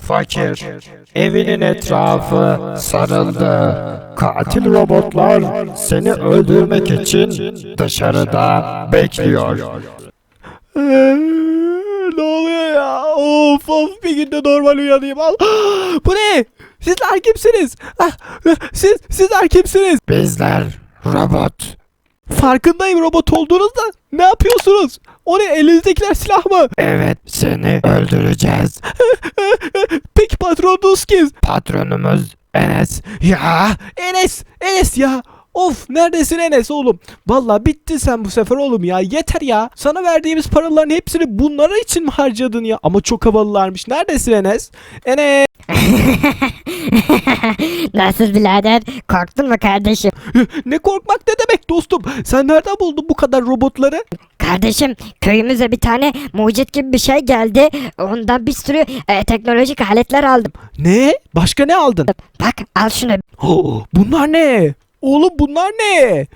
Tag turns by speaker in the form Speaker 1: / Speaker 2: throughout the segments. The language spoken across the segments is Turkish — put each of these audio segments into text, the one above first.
Speaker 1: Fakir, evinin etrafı sarıldı. Katil robotlar seni öldürmek için dışarıda bekliyor.
Speaker 2: Ne oluyor ya? Of bir günde normal uyanayım. Al. Bu ne? Sizler kimsiniz? Sizler kimsiniz?
Speaker 1: Bizler robot.
Speaker 2: Farkındayım robot olduğunuzda. Ne yapıyorsunuz? O ne? Elinizdekiler silah mı?
Speaker 1: Evet, seni öldüreceğiz.
Speaker 2: Peki patronunuz kim?
Speaker 1: Patronumuz Enes.
Speaker 2: Ya Enes ya. Of neredesin Enes oğlum? Vallahi bittin sen bu sefer oğlum ya. Yeter ya. Sana verdiğimiz paraların hepsini bunlara için mi harcadın ya? Ama çok havalılarmış. Neredesin Enes? Enes.
Speaker 3: Nasıl birader? Korktun mu kardeşim?
Speaker 2: Ne korkmak ne demek dostum? Sen nereden buldun bu kadar robotları?
Speaker 3: Kardeşim köyümüze bir tane mucit gibi bir şey geldi. Ondan bir sürü teknolojik aletler aldım.
Speaker 2: Ne? Başka ne aldın?
Speaker 3: Bak al şunu.
Speaker 2: Bunlar ne? Oğlum bunlar ne?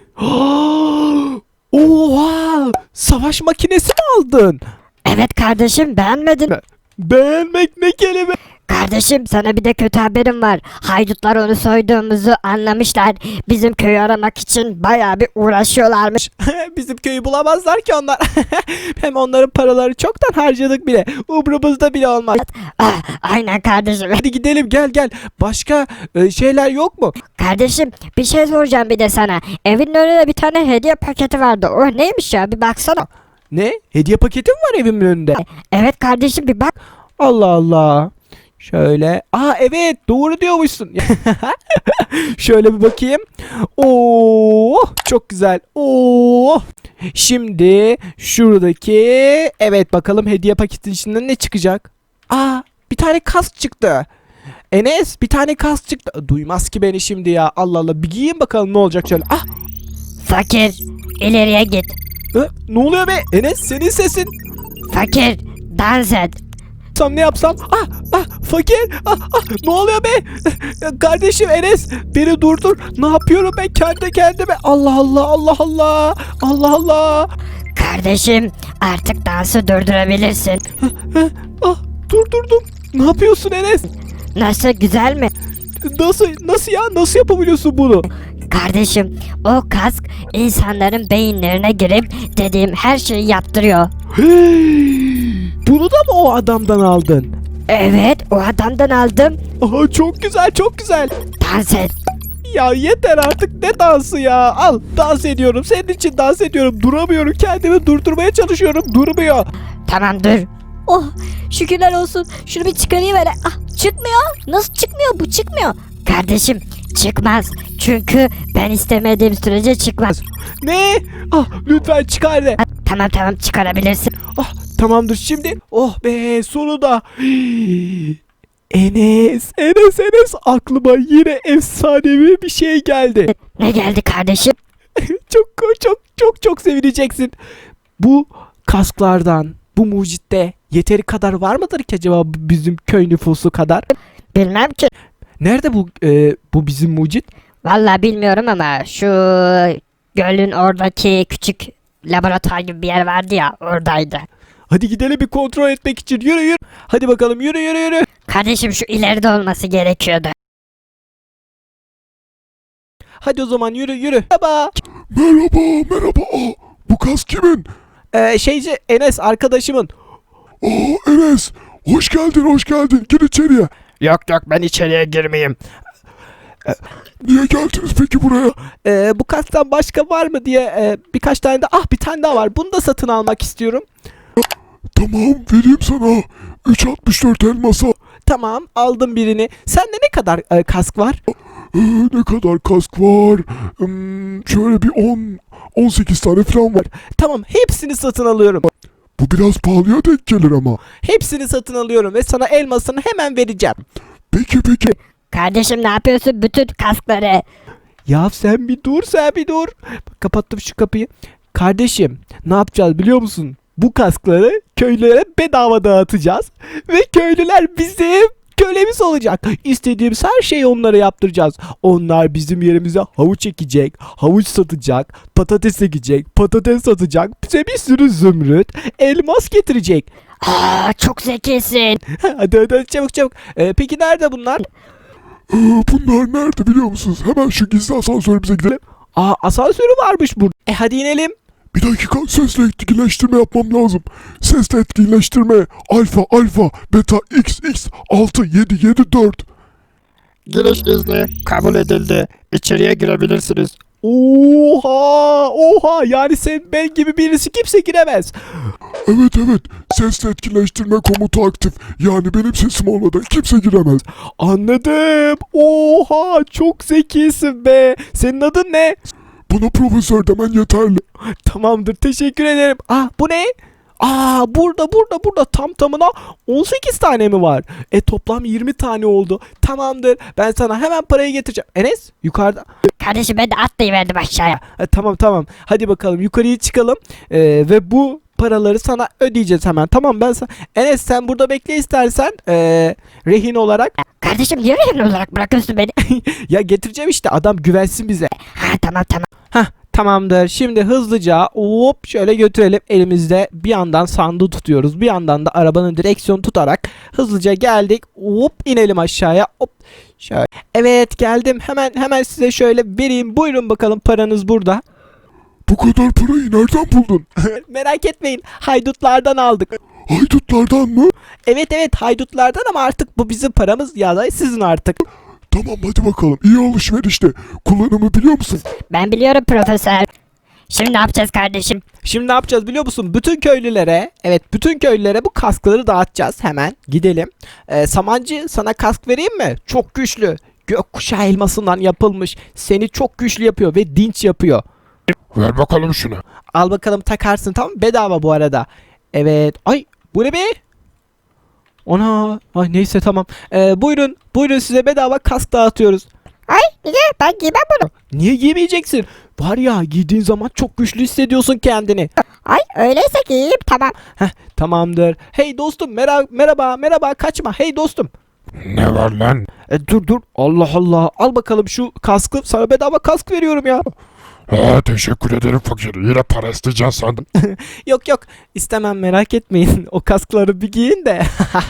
Speaker 2: Oha! Savaş makinesi mi aldın?
Speaker 3: Evet kardeşim beğenmedin mi?
Speaker 2: Beğenmek ne kelime?
Speaker 3: Kardeşim sana bir de kötü haberim var. Haydutlar onu soyduğumuzu anlamışlar. Bizim köyü aramak için bayağı bir uğraşıyorlarmış.
Speaker 2: Bizim köyü bulamazlar ki onlar. Hem onların paraları çoktan harcadık bile. Umrumuzda bile olmaz.
Speaker 3: Aynen kardeşim.
Speaker 2: Hadi gidelim gel. Başka şeyler yok mu?
Speaker 3: Kardeşim bir şey soracağım bir de sana. Evin önünde bir tane hediye paketi vardı. O neymiş ya bir baksana.
Speaker 2: Ne? Hediye paketi mi var evimin önünde?
Speaker 3: Evet kardeşim bir bak.
Speaker 2: Allah Allah. Şöyle. Evet doğru diyormuşsun. Şöyle bir bakayım. Oo çok güzel. Oo. Şimdi şuradaki evet bakalım hediye paketin içinden ne çıkacak? Bir tane kask çıktı. Enes bir tane kask çıktı. Duymaz ki beni şimdi ya. Allah Allah bir giyeyim bakalım ne olacak şöyle.
Speaker 3: Fakir ileriye git.
Speaker 2: Ne oluyor be? Enes senin sesin.
Speaker 3: Fakir dans et.
Speaker 2: Ne yapsam? Fakir. Ne oluyor be? Kardeşim Enes beni durdur. Ne yapıyorum ben kendi kendime? Allah Allah.
Speaker 3: Kardeşim artık dansı durdurabilirsin.
Speaker 2: Durdurdum. Ne yapıyorsun Enes?
Speaker 3: Nasıl güzel mi?
Speaker 2: Nasıl ya? Nasıl yapabiliyorsun bunu?
Speaker 3: Kardeşim o kask insanların beyinlerine girip dediğim her şeyi yaptırıyor.
Speaker 2: Bunu da mı o adamdan aldın?
Speaker 3: Evet o adamdan aldım.
Speaker 2: Çok güzel.
Speaker 3: Dans et.
Speaker 2: Ya yeter artık ne dansı ya. Al dans ediyorum. Senin için dans ediyorum. Duramıyorum. Kendimi durdurmaya çalışıyorum. Durmuyor.
Speaker 3: Tamam dur.
Speaker 4: Oh şükürler olsun. Şunu bir çıkarayım hele. Çıkmıyor. Nasıl çıkmıyor? Bu çıkmıyor.
Speaker 3: Kardeşim çıkmaz. Çünkü ben istemediğim sürece çıkmaz.
Speaker 2: Ne? Lütfen çıkar de.
Speaker 3: Tamam çıkarabilirsin.
Speaker 2: Tamamdır şimdi. Oh be sonunda. Enes aklıma yine efsanevi bir şey geldi.
Speaker 3: Ne geldi kardeşim?
Speaker 2: Çok sevineceksin. Bu kasklardan, bu mucitte yeteri kadar var mıdır ki acaba bizim köy nüfusu kadar?
Speaker 3: Bilmem ki.
Speaker 2: Nerede bu bizim mucit?
Speaker 3: Vallahi bilmiyorum ama şu gölün oradaki küçük laboratuvar gibi bir yer vardı ya oradaydı.
Speaker 2: Hadi gidelim bir kontrol etmek için. Yürü. Hadi bakalım yürü.
Speaker 3: Kardeşim şu ileride olması gerekiyordu.
Speaker 2: Hadi o zaman yürü. Merhaba.
Speaker 5: Merhaba. Bu kask kimin?
Speaker 2: Enes arkadaşımın.
Speaker 5: Enes. Hoş geldin. Gir içeriye.
Speaker 1: Yok ben içeriye girmeyeyim.
Speaker 5: Niye geldiniz peki buraya?
Speaker 2: Bu kasktan başka var mı diye birkaç tane de bir tane daha var. Bunu da satın almak istiyorum.
Speaker 5: Tamam vereyim sana. 3.64 elmasa.
Speaker 2: Tamam aldım birini. Sende ne kadar kask var?
Speaker 5: Ne kadar kask var? Şöyle bir 18 tane falan var.
Speaker 2: Tamam hepsini satın alıyorum.
Speaker 5: Bu biraz pahalıya denk gelir ama.
Speaker 2: Hepsini satın alıyorum ve sana elmasını hemen vereceğim.
Speaker 5: Peki.
Speaker 3: Kardeşim ne yapıyorsun bütün kaskları?
Speaker 2: Ya sen bir dur. Kapattım şu kapıyı. Kardeşim ne yapacağız biliyor musun? Bu kaskları köylülere bedava dağıtacağız. Ve köylüler bizim kölemiz olacak. İstediğimiz her şeyi onlara yaptıracağız. Onlar bizim yerimize havuç ekecek, havuç satacak, patates ekecek, patates satacak. Bize bir sürü zümrüt, elmas getirecek.
Speaker 3: Çok zekisin.
Speaker 2: Hadi çabuk çabuk. Peki nerede bunlar?
Speaker 5: Bunlar nerede biliyor musunuz? Hemen şu gizli asansörümüze gidelim.
Speaker 2: Asansörü varmış burada. Hadi inelim.
Speaker 5: Bir dakika, sesle etkileştirme yapmam lazım. Sesle etkileştirme. Alfa, beta, x, 6, 7, 7, 4.
Speaker 1: Giriş izni kabul edildi. İçeriye girebilirsiniz.
Speaker 2: Oha yani sen ben gibi birisi kimse giremez.
Speaker 5: Evet. Sesle etkileştirme komutu aktif. Yani benim sesim olmadan kimse giremez.
Speaker 2: Anladım. Oha çok zekisin be. Senin adın ne?
Speaker 5: Bana profesör demen yeterli.
Speaker 2: Tamamdır teşekkür ederim. Bu ne? Burada tam tamına 18 tane mi var? Toplam 20 tane oldu. Tamamdır. Ben sana hemen parayı getireceğim. Enes yukarıda.
Speaker 3: Kardeşim ben de atlayıverdim aşağıya.
Speaker 2: Tamam. Hadi bakalım yukarıya çıkalım. Ve bu paraları sana ödeyeceğiz hemen. Tamam ben sana. Enes sen burada bekle istersen. Rehin olarak.
Speaker 3: Kardeşim niye rehin olarak bırakıyorsun beni?
Speaker 2: Ya getireceğim işte adam güvensin bize.
Speaker 3: Tamam.
Speaker 2: Tamamdır. Şimdi hızlıca hop şöyle götürelim. Elimizde bir yandan sandığı tutuyoruz. Bir yandan da arabanın direksiyonu tutarak hızlıca geldik. Hop inelim aşağıya. Hop şöyle. Evet geldim. Hemen size şöyle vereyim. Buyurun bakalım paranız burada.
Speaker 5: Bu kadar parayı nereden buldun?
Speaker 2: Merak etmeyin. Haydutlardan aldık.
Speaker 5: Haydutlardan mı?
Speaker 2: Evet haydutlardan ama artık bu bizim paramız ya da sizin artık.
Speaker 5: Tamam hadi bakalım. İyi alışverişte. Kullanımı biliyor musun?
Speaker 3: Ben biliyorum profesör. Şimdi ne yapacağız kardeşim?
Speaker 2: Şimdi ne yapacağız biliyor musun? Bütün köylülere bu kaskları dağıtacağız hemen. Gidelim. Samancı sana kask vereyim mi? Çok güçlü. Gökkuşağı elmasından yapılmış. Seni çok güçlü yapıyor ve dinç yapıyor.
Speaker 5: Ver bakalım şunu.
Speaker 2: Al bakalım takarsın tamam mı? Bedava bu arada. Evet. Ay bu ne be? Ay neyse tamam. Buyurun size bedava kask dağıtıyoruz.
Speaker 3: Ay niye? Ben giymem bunu.
Speaker 2: Niye giymeyeceksin? Var ya giydiğin zaman çok güçlü hissediyorsun kendini.
Speaker 3: Ay öyleyse giyeyim tamam.
Speaker 2: Tamamdır. Hey dostum merhaba kaçma. Hey dostum.
Speaker 5: Ne var lan?
Speaker 2: Dur. Allah. Al bakalım şu kaskı. Sana bedava kask veriyorum ya.
Speaker 5: Teşekkür ederim fakir. Yine para isteyeceksin sandım.
Speaker 2: Yok. İstemem merak etmeyin. O kaskları bir giyin de.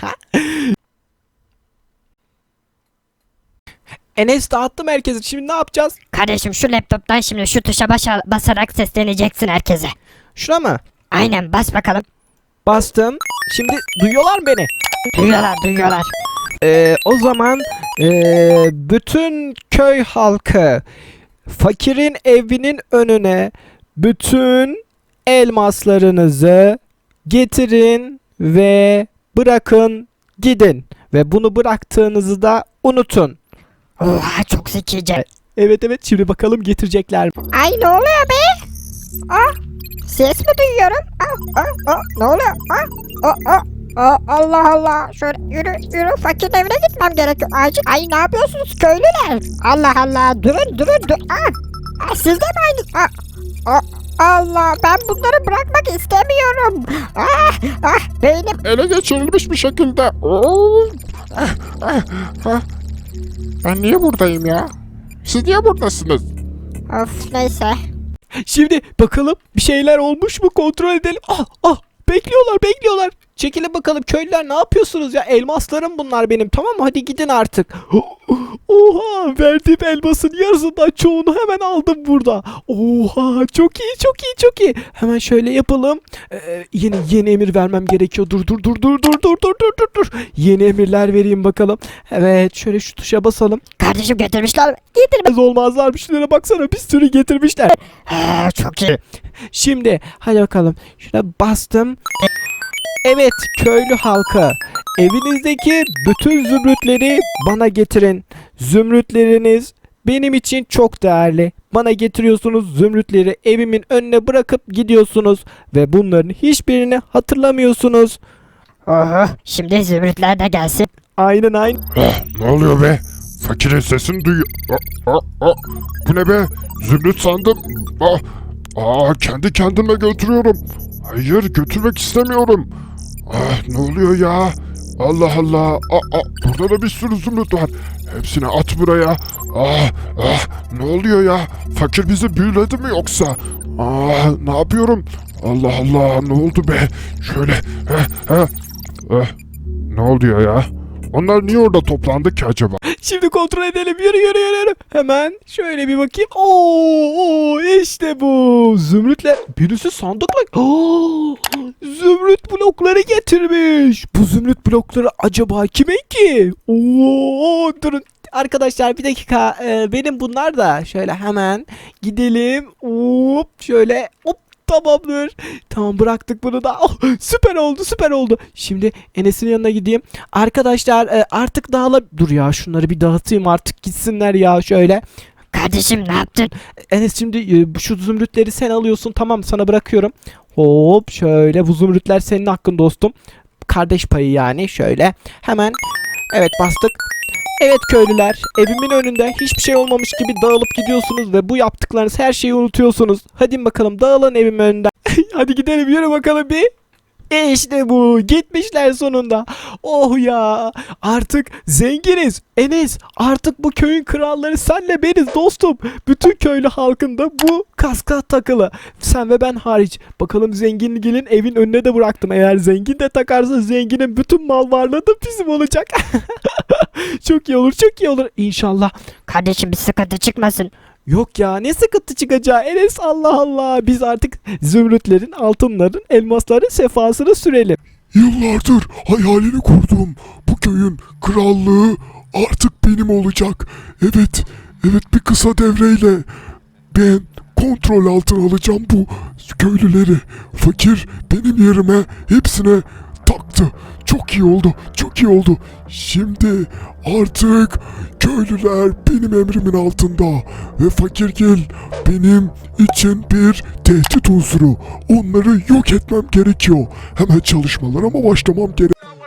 Speaker 2: Enes dağıttım herkesi. Şimdi ne yapacağız?
Speaker 3: Kardeşim şu laptoptan şimdi şu tuşa basarak sesleneceksin herkese.
Speaker 2: Şuna mı?
Speaker 3: Aynen bas bakalım.
Speaker 2: Bastım. Şimdi duyuyorlar mı beni?
Speaker 3: Duyuyorlar.
Speaker 2: O zaman bütün köy halkı fakirin evinin önüne bütün elmaslarınızı getirin ve bırakın gidin. Ve bunu bıraktığınızı da unutun.
Speaker 3: Oha çok zekice.
Speaker 2: Evet şimdi bakalım getirecekler mi?
Speaker 3: Ay ne oluyor be? Ses mi duyuyorum? Ne oluyor? Allah. Şöyle yürü. Fakirin evine gitmem gerekiyor. Acil. Ay ne yapıyorsunuz köylüler? Allah. Durun. Siz de mi aynı? Allah ben bunları bırakmak istemiyorum. Beynim.
Speaker 5: Ele geçirilmiş bir şekilde. Ben niye buradayım ya? Siz niye buradasınız?
Speaker 3: Of neyse.
Speaker 2: Şimdi bakalım bir şeyler olmuş mu kontrol edelim. Bekliyorlar. Çekilin bakalım köylüler ne yapıyorsunuz ya? Elmaslarım bunlar benim tamam mı? Hadi gidin artık. Oha verdiğim elmasın yarısından çoğunu hemen aldım burada. Oha çok iyi. Hemen şöyle yapalım. Yeni emir vermem gerekiyor. Dur. Yeni emirler vereyim bakalım. Evet şöyle şu tuşa basalım.
Speaker 3: Kardeşim getirmişler mi?
Speaker 2: Az olmazlar. Şunlara baksana bir sürü getirmişler.
Speaker 3: Çok iyi.
Speaker 2: Şimdi hadi bakalım. Şuna bastım. Evet köylü halkı. Evinizdeki bütün zümrütleri bana getirin. Zümrütleriniz benim için çok değerli. Bana getiriyorsunuz zümrütleri evimin önüne bırakıp gidiyorsunuz. Ve bunların hiçbirini hatırlamıyorsunuz.
Speaker 3: Oho şimdi zümrütler de gelsin.
Speaker 2: Aynen.
Speaker 5: Ne oluyor be? Fakirin sesini duyuyor. Bu ne be? Zümrüt sandım. Kendi kendime götürüyorum. Hayır götürmek istemiyorum. Ne oluyor ya? Allah. Burada da bir sürü zümrüt var. Hepsini at buraya. Ne oluyor ya? Fakir bizi büyüledi mi yoksa? Ne yapıyorum? Allah Allah, ne oldu be? Şöyle. Ne oluyor ya? Onlar niye orada toplandı ki acaba?
Speaker 2: Şimdi kontrol edelim. Yürü. Hemen şöyle bir bakayım. Oo, işte bu. Zümrütler. Birisi sandıkla. Zümrüt blokları getirmiş. Bu zümrüt blokları acaba kimin ki? Oo, durun. Arkadaşlar bir dakika. Benim bunlar da. Şöyle hemen gidelim. Hop, şöyle hop. Tamamdır. Tamam, bıraktık bunu da. Oh, süper oldu. Şimdi Enes'in yanına gideyim. Arkadaşlar artık dur ya, şunları bir dağıtayım artık gitsinler ya, şöyle.
Speaker 3: Kardeşim ne yaptın?
Speaker 2: Enes, şimdi şu zümrütleri sen alıyorsun, tamam, sana bırakıyorum. Hop, şöyle, bu zümrütler senin hakkın dostum. Kardeş payı yani, şöyle. Hemen evet, bastık. Evet köylüler, evimin önünde hiçbir şey olmamış gibi dağılıp gidiyorsunuz ve bu yaptıklarınız, her şeyi unutuyorsunuz. Hadi bakalım, dağılın evimin önünden. Hadi gidelim, yürü bakalım bir. İşte bu, gitmişler sonunda. Oh ya, artık zenginiz. Enes, artık bu köyün kralları senle beniz dostum. Bütün köylü halkında bu kaska takılı. Sen ve ben hariç. Bakalım zenginin evin önüne de bıraktım. Eğer zengin de takarsa zenginin bütün mal varlığı da bizim olacak. Çok iyi olur İnşallah.
Speaker 3: Kardeşim bir sıkıntı çıkmasın.
Speaker 2: Yok ya, ne sıkıntı çıkacağı Enes, Allah Allah. Biz artık zümrütlerin, altınların, elmasların sefasını sürelim.
Speaker 5: Yıllardır hayalini kurduğum bu köyün krallığı artık benim olacak. Evet, bir kısa devreyle ben kontrol altına alacağım bu köylüleri. Fakir benim yerime hepsine taktı. Çok iyi oldu. Şimdi artık köylüler benim emrimin altında ve Fakirgil benim için bir tehdit unsuru. Onları yok etmem gerekiyor. Hemen çalışmalarıma başlamam gerek.